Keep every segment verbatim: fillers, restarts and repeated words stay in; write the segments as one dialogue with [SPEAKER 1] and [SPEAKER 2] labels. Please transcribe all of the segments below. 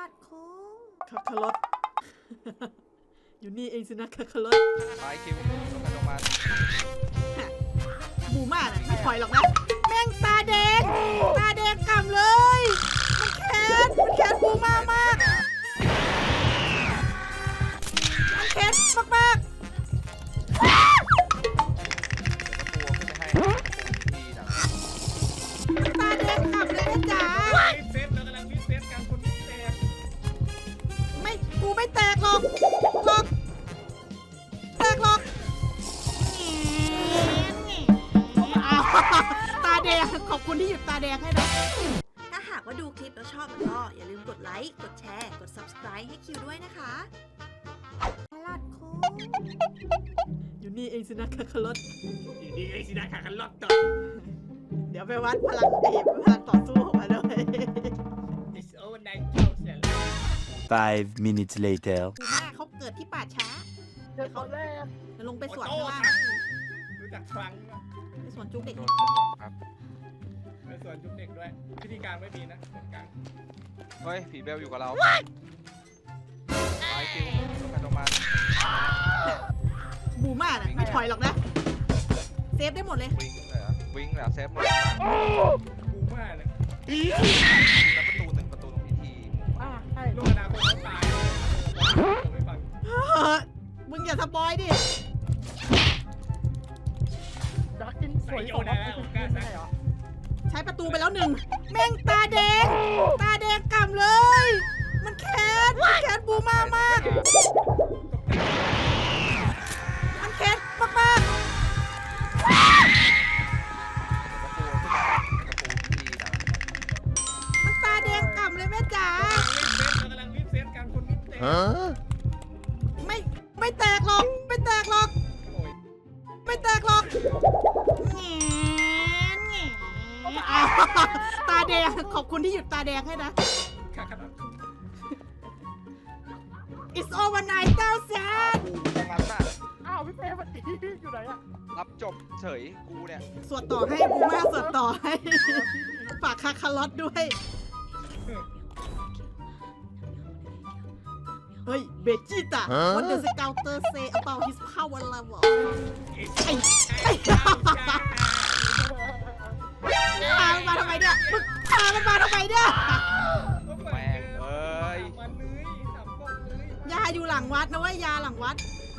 [SPEAKER 1] ดโค้ง
[SPEAKER 2] คาคารอท อยู่นี่เองสินะคาคารอท
[SPEAKER 3] ไปคิวลงกันลงมา
[SPEAKER 2] บูมาน่ะไม่ถอยหรอกนะแม่งตาแดงตาแดงกำเลยมันแค้นมันแค้นบูมามากมันแค้นมากมาก
[SPEAKER 3] เดี๋ยวตะปูขึ้นไปให้ตะปูทีนะ
[SPEAKER 2] ตาแดงกำเลยนะจ๋า
[SPEAKER 4] รีบเซฟเรากำลังรีบเซฟการคนที่แตก
[SPEAKER 2] ไม่กูไม่แตกหรอกหรอกแตกหรอกอ้าวตาแดงขอบคุณที่หยุดตาแดงให้นะ
[SPEAKER 1] ถ้าหากว่าดูคลิปแล้วชอบแล้วก็อย่าลืมกดไลค์ กดแชร์ กด ซับสไครบ์ ให้คิวด้วยนะคะตลาดโค้ง
[SPEAKER 2] อยู่นี่เองสินะคาคารอท
[SPEAKER 4] อยู่ดีไอ้สินะขาคันล็อกต่อ
[SPEAKER 2] เดี๋ยวไปวัดพลังเอกพลังต่อสู้ของมันด้วย
[SPEAKER 4] It's over nine thousand
[SPEAKER 5] Five minutes later.
[SPEAKER 2] กูแม่เขาเกิดที่ป่าช้า
[SPEAKER 6] เจอเขาแรก
[SPEAKER 2] จะลงไปสวน
[SPEAKER 4] โอ้
[SPEAKER 2] ข้าง
[SPEAKER 4] โห
[SPEAKER 2] ล่าง
[SPEAKER 4] รู้จักครั้งปะ
[SPEAKER 2] ไปสวนจุกเด็ก
[SPEAKER 3] โดนตำรวจครับ
[SPEAKER 4] เป็นส่วนจุกเด็กด้วยพิธีการไม่มีนะส่วนกลาง
[SPEAKER 3] เฮ้ยผีเบลอยู่กับเราไปคิวลงกันลงมา
[SPEAKER 2] บูมาน่ะไม่ถอยหรอกนะเซฟได้หมดเลย
[SPEAKER 3] วิ่งเลยเหรอวิ่งเหรอเซฟหมด
[SPEAKER 4] กูมากเลย
[SPEAKER 3] แล้วประตูหนึ่งประตูตรงพิธี
[SPEAKER 6] อ่าใช่
[SPEAKER 4] ลูกอนาคตเขาตายผมไม่ฟัง
[SPEAKER 2] เฮ้ยมึงอย่าสปอยดิ
[SPEAKER 6] ดักกินสวยสองไม่ใช่เหรอ
[SPEAKER 2] ใช้ประตูไปแล้วหนึ่งแม่งตาแดงตาแดงกำเลย มันแค้นมันแค้นบูมามาก มันแค้นมากมาก
[SPEAKER 3] ประตูขึ้นไปประตูพิธีนะ
[SPEAKER 2] มันตาแดงกำเลยแม่จ๋า
[SPEAKER 4] เรากำลังรีบเซฟการคนที่แตก
[SPEAKER 2] ไม่ไม่แตกหรอกไม่แตกหรอก
[SPEAKER 4] โอ้ย
[SPEAKER 2] ไม่แตกหรอกแง่แง่อ้าวตาแดงขอบคุณที่หยุดตาแดงให้นะ
[SPEAKER 4] ขาคันล็อก
[SPEAKER 2] It's over nine thousand
[SPEAKER 3] ตรงนั้นน่ะ
[SPEAKER 6] อ้าวพี่เป้มันดีอยู่ไหนอะ
[SPEAKER 3] รับจบเฉยกูเนี่ย
[SPEAKER 2] สวดต่อให้บูมาสวดต่อให้ฝากคาคารอทด้วย เฮ้ย เบจิต้า What does the counter say about his power level ไอ้ไอ้พามันมาทำไมเนี่ยมึงพามันมาทำไมเนี่ย
[SPEAKER 3] แม่งเอ้ย
[SPEAKER 4] มันเลยสามกล้องเลย
[SPEAKER 2] ยาอยู่หลังวัดนะเว้ยยาหลังวัด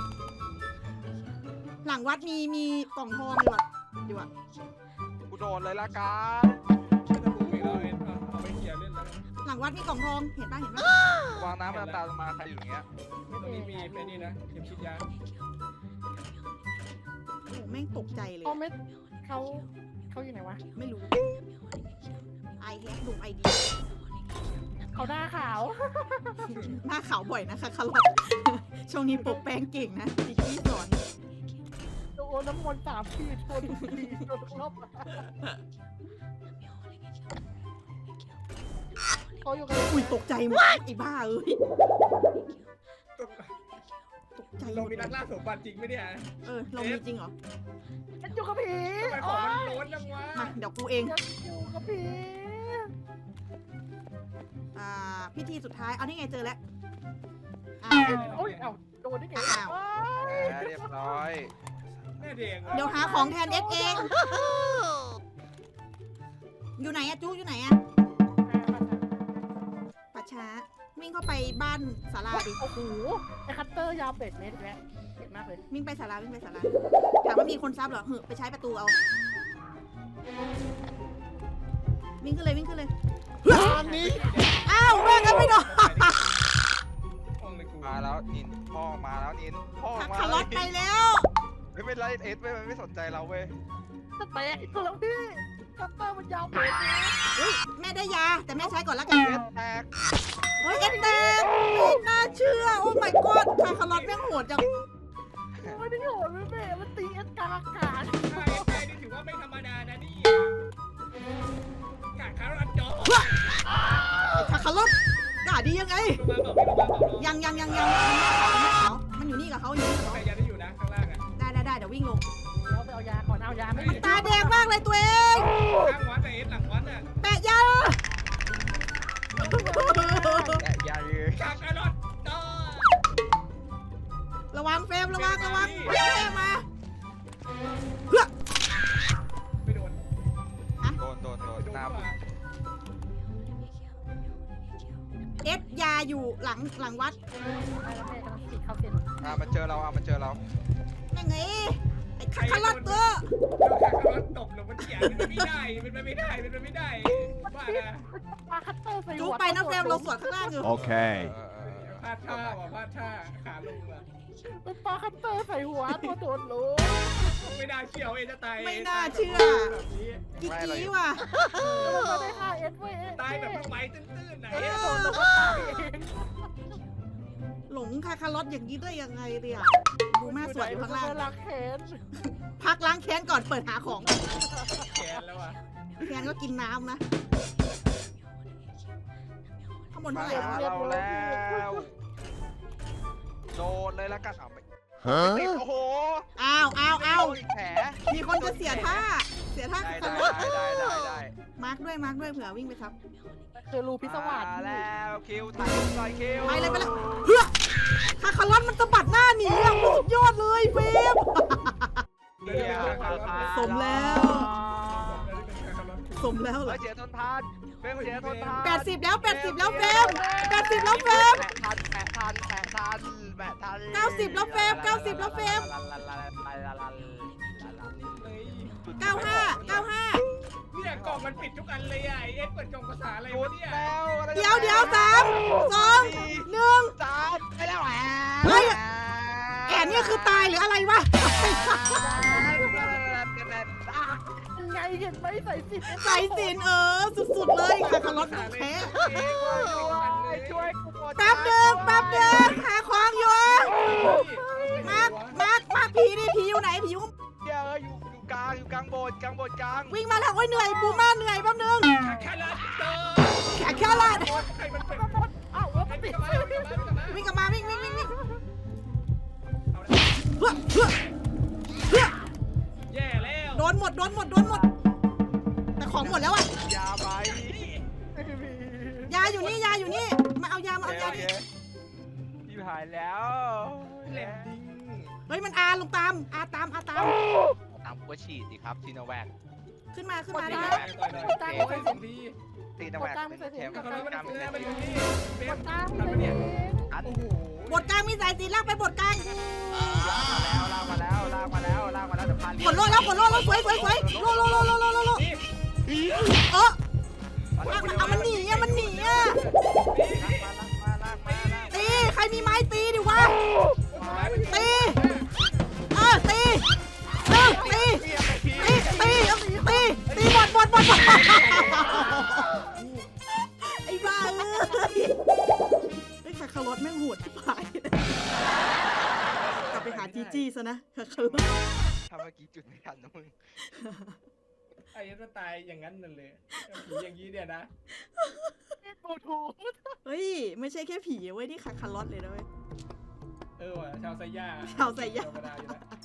[SPEAKER 2] หลังวัดมีมีกล่องทองอยู่อะอยู่อะ
[SPEAKER 3] กูโดนเลยละกัน
[SPEAKER 4] ไม่ต้องดูอีกแล้วเอ็นเอาไปเคลียร์เล่นแล้ว
[SPEAKER 2] หลังวัดมีกล่องทองเห็นปะเห็นปะ
[SPEAKER 3] วางน้ำน้ำตาลงมาใครอยู่อย่างเงี้ย
[SPEAKER 4] ตรงนี้มีเป็นนี่นะเข็มฉีดยา
[SPEAKER 2] โอ้โหแม่งตกใจเลย
[SPEAKER 6] เขาไม่เขาเขาอยู่ไหนวะ
[SPEAKER 2] ไม่รู้ไอแฮกดูไอดี
[SPEAKER 6] เขาหน้าขาว
[SPEAKER 2] หน้าขาวบ่อยนะคะคารอท ช่วงนี้ปกแป้งเก่งนะจิกกี้สอน
[SPEAKER 6] โดนน้ำมนต์สามขีดโดนทีโดนรอบเขาอยู่กัน
[SPEAKER 2] อุ้ยตกใจหมดไอ้บ้าเอ้ยตกใจหม
[SPEAKER 4] เรา
[SPEAKER 2] ด
[SPEAKER 4] มีนักล่าสมบัติจริงไหมเนี่ย
[SPEAKER 2] เออเรามีจริงเหรอ
[SPEAKER 6] ฉันอยู่กับผี
[SPEAKER 4] ทำไมของมันโล้นจังวะ
[SPEAKER 2] มาเดี๋ยวกูเอง
[SPEAKER 6] ฉันอยู่กับผี
[SPEAKER 2] อ่าพิธีสุดท้ายเอานี่ไงเจอแล้วอ่า
[SPEAKER 6] โอ้ยเอ้าโดนได้ไง
[SPEAKER 2] อ้าว
[SPEAKER 3] แหมเรียบร้อย
[SPEAKER 4] แม่เด็ก
[SPEAKER 2] เดี๋ยวหาของแทนเอสเอง อยู่ไหนอะจู้อยู่ไหนอะป่าช้าวิ่งเข้าไปบ้านศาลาดิ
[SPEAKER 6] โอ้โหไอ้คัตเตอร์ยาวเป็ดเมตรแล้วเก่งมากเลย
[SPEAKER 2] วิ่งไปศาลาวิ่งไปศาลาถามว่ามีคนซับเหรอเหอะไปใช้ประตูเอา วิ่งขึ้นเลยวิ่งขึ้นเลย
[SPEAKER 6] อันนี้
[SPEAKER 2] อ้าวแม่งกันไม่โดน
[SPEAKER 4] ห้องเลยกู
[SPEAKER 3] มาแล้วนินพ่อมาแล้วนินพ่อ
[SPEAKER 2] ขับ
[SPEAKER 3] มา
[SPEAKER 2] คารอทไปแล้ว
[SPEAKER 3] ไม่เป็นไรเอสเว้ยมันไม่สนใจเราเว้ย
[SPEAKER 6] จะแตกอีกแล้วพี่คัตเตอร์มันยาวเป็ด
[SPEAKER 2] เฮ้ยแม่ได้ยาแต่แม่ใช้ก่อนละกัน
[SPEAKER 3] เอสแตก
[SPEAKER 2] เฮ้ยเอ็นเต็มไม่น่าเชื่อโอ้ my god คาคารอทแม่งโหดจัง
[SPEAKER 6] ไม่ได้โหดไม่เบ้มันตีเอสกลางอากาศ
[SPEAKER 4] ใช่ใช่นี่ถือว่าไม่ธรรมดานะนี่กาดคารันจอ
[SPEAKER 2] คาคารอทด่าดียังไง
[SPEAKER 4] ลงมาบอกไม่ลงมาบอก
[SPEAKER 2] ยังยังยังยังยังไม่เขามันอยู่นี่กับเขาอยู่นี่กับ
[SPEAKER 4] ใคร
[SPEAKER 2] เขา
[SPEAKER 4] ยังได้อยู่นะข้างล่างอ่ะ
[SPEAKER 2] ได้ได้ได้เดี๋ยววิ่งลง
[SPEAKER 6] แล้วไปเอายาก่อนเอายาไม่มี
[SPEAKER 2] ตาแดงมากเลยตัวเอง
[SPEAKER 4] ข้างวัดแต่เอสหลังวัดอ่ะ
[SPEAKER 2] แปะยา
[SPEAKER 3] แตะยาเ
[SPEAKER 2] เอสยาอยู่หลังหลังวัด
[SPEAKER 6] ไอ้แล้วแม่กำลังติดเข้าเส้น
[SPEAKER 3] อ่ามันเจอเราอ่ะมันเจอเรา
[SPEAKER 2] ยังไงไอ้คาคาลอตตัว
[SPEAKER 4] โดนคาคารอนตบลงบนเตียงเป็นไปไม่ได้เป็นไปไม่ได้เป็นไปไม่ได้บ้านะ
[SPEAKER 6] ปาคัตเตอร์ใส่
[SPEAKER 2] จู
[SPEAKER 6] หัว
[SPEAKER 2] ไปนะเฟรมเราสวนข้างล่างอยู่
[SPEAKER 5] Okay.
[SPEAKER 3] เออเออเออ
[SPEAKER 4] พลาดท่าว่ะพลาดท่าขาลงอ่ะ
[SPEAKER 6] เป็นปาคัตเตอร์ใส่หัวตัวโดนรู้
[SPEAKER 4] ไม่น่าเชื่อเอจะตาย
[SPEAKER 2] ไม่น่าเชื่อ
[SPEAKER 4] แบบนี้
[SPEAKER 2] กิ๊กกี้ว่ะ
[SPEAKER 6] มันมาได้ห้าเอสเว้ย
[SPEAKER 4] ตายแบบไปตื้นๆไหน
[SPEAKER 6] เอ
[SPEAKER 4] อะ
[SPEAKER 6] สโดนแล้วก็ตายเอง
[SPEAKER 2] หลงคาคาลอตอย่างนี้ได้ยังไงเนี่ยดูแม่สวยอยู่ข้างล่าง
[SPEAKER 6] รักแขน
[SPEAKER 2] พักล้างแค้นก่อนเปิดหาของ
[SPEAKER 4] แขนแล้วอ่ะ
[SPEAKER 2] แค้นก็กินน้ำนะข้างบนเท่า
[SPEAKER 3] มา
[SPEAKER 2] ไหร่แล้ว
[SPEAKER 3] หาเราแล้วโดนเลยละกันเอาไปติด
[SPEAKER 5] Huh?
[SPEAKER 3] โอ้โห
[SPEAKER 2] อ้าวอ้าวอ้าว
[SPEAKER 3] โดนอีกแผล
[SPEAKER 2] มีคนจะเสียท่า เสียท่า
[SPEAKER 3] ได้
[SPEAKER 2] คา
[SPEAKER 3] ได้
[SPEAKER 2] คาลอต
[SPEAKER 3] ได้ได้ได้
[SPEAKER 2] มาร์กด้วยมาร์กด้วยเผื่อวิ่งไปทับ
[SPEAKER 6] คือรูพิศวาส
[SPEAKER 3] มาแล้วคิวถ่ายรูปหน่อยคิว
[SPEAKER 2] ไปเลยไปเลยเฮ้ยคาคาลอตมันสะบัดหน้าหนีอ่ะสุดยอดเลยเฟม
[SPEAKER 4] เดี๋ยวเดี๋ยวเดี๋ยวเดี๋ยวเดี๋ยว
[SPEAKER 2] สมแล้ว สมแล้วเหร
[SPEAKER 3] เฮ้
[SPEAKER 2] อย
[SPEAKER 3] เสียทนทานเฟรมเสียทนทาน
[SPEAKER 2] แปดสิบแล้วแปดสิบแล้วเฟมแปดสิบแล้วเฟม
[SPEAKER 3] แปะทันแปะทันแปะทันแปะทัน
[SPEAKER 2] เก้าสิบแล้วเฟรมเก้าสิบแล้วเฟรม เก้าห้าเก้าห้า
[SPEAKER 4] เนี่ยกล่องมันปิดทุกอันเลยอ่ะไอเอ็กเปิดกล่องภาษาอะไร
[SPEAKER 3] หยุ
[SPEAKER 4] วะ
[SPEAKER 3] ด
[SPEAKER 4] เนี่ย
[SPEAKER 3] แล้วอะไร
[SPEAKER 2] เดี๋ยวเดี๋ยวสามสองหนึ่ง
[SPEAKER 3] สามไปแล้วแหว
[SPEAKER 2] เฮ้ย แอนเนี่ยคือตายหรืออะไรวะ
[SPEAKER 6] ไงเห็นไหมใส่สิบ
[SPEAKER 2] ใส่สินเออ สุดๆเลยคาคาลอตของแท้
[SPEAKER 3] ช่วยกูหมด
[SPEAKER 2] แป๊บหนึ่งแป๊บหนึ่งหาของอยู่มาร์กมาร์กมาร์กผีดิผีอยู่ไหนผีอยู่
[SPEAKER 3] เดี๋ยวอยู่อยู่กลางอยู่กลางโบสถ์กลางโบสถ์กลาง
[SPEAKER 2] วิ่งมาแล้วโอ้ยเหนื่อยบูมาเหนื่อยแป๊บหนึง
[SPEAKER 4] แค่ละเตอ
[SPEAKER 2] แขกแค่ลาด
[SPEAKER 4] ใครมันเป็น
[SPEAKER 6] อ้าวแล้ว
[SPEAKER 4] ใคร
[SPEAKER 6] ติ
[SPEAKER 4] เป็น
[SPEAKER 6] ด
[SPEAKER 4] กลับมาวิ่งกลับมาวิ่งกลับมา
[SPEAKER 2] วิ่งกลับมาวิ่งวิ่งวิ่งวิ่ง
[SPEAKER 4] เอาละ
[SPEAKER 2] เฮ้อเฮ้อเฮ้อ
[SPEAKER 4] แย่แล้ว
[SPEAKER 2] โดนหมดโดนหมดโดนหมด แต่ของหมดแล้วอะ
[SPEAKER 3] ยาไป
[SPEAKER 2] ยาอยู่นี่ยาอยู่นี่มาเอายามาเอายาดิ
[SPEAKER 3] พี่หายแล้ว
[SPEAKER 4] แหลมดิง
[SPEAKER 2] เฮ้ยมันอาลงตามอาตามอาตาม
[SPEAKER 3] ตามก็ฉีดดิครับซีโนแวค
[SPEAKER 2] ขึ้นมาขึ้นมา
[SPEAKER 4] ต่
[SPEAKER 2] ได้
[SPEAKER 4] อย
[SPEAKER 2] ไหม
[SPEAKER 4] ต่อยต่อยโอ้ยส่งดี
[SPEAKER 3] ซีโนแวคเป็นเข็ม
[SPEAKER 4] กลับมา
[SPEAKER 3] เป็น
[SPEAKER 4] มัน
[SPEAKER 3] กรรม
[SPEAKER 4] เนื้
[SPEAKER 3] เป็
[SPEAKER 4] อน มัน
[SPEAKER 3] เข็
[SPEAKER 4] อยู่
[SPEAKER 3] ม
[SPEAKER 4] นี่เฟ
[SPEAKER 6] ก
[SPEAKER 4] ม
[SPEAKER 6] ดตาม
[SPEAKER 4] ทัน
[SPEAKER 6] เล
[SPEAKER 4] ปะเนี่ย
[SPEAKER 6] ย
[SPEAKER 3] อัด
[SPEAKER 4] โอ้โห
[SPEAKER 2] บทกลางมีสายสีลากไปบทกลาง
[SPEAKER 3] ลากมาแล้วลากมาแล้วลากมาแล้วลากมาแล้วเดี๋ยวพาเรีย
[SPEAKER 2] กดโลดแล้วกดโลดแล้วสวยสวยสวยโลโลโลโลโลโลโล
[SPEAKER 4] นี่
[SPEAKER 2] เออมันเอามันหนีอะมันหนีอะ
[SPEAKER 3] ลากมาลากมาลากมา
[SPEAKER 2] ตีใครมีไม้ตีดิวะ
[SPEAKER 4] ตี
[SPEAKER 2] เออตีเออตีตีตีตีตีบอดบอดบอดบอดไอ้บ้าเอ้ยไอ้คาคารอตแม่งโหดที่ผายกลับไปหาจีจี้ซะนะคาคารอต
[SPEAKER 3] ทำเมื่อกี้จุดไม่ทันนะมึง
[SPEAKER 4] ไอ้ยันตายอย่างนั้นนั่นเลยผีอย่างนี้เนี่ยนะ
[SPEAKER 6] กูถูก
[SPEAKER 2] เฮ้ยไม่ใช่แค่ผีเว้ยนี่คาคารอตเลยนะเว้ย
[SPEAKER 4] เออว่ะชาวไซย่า
[SPEAKER 2] ชาวไซย่า
[SPEAKER 4] ธรรมดาอยู่นะ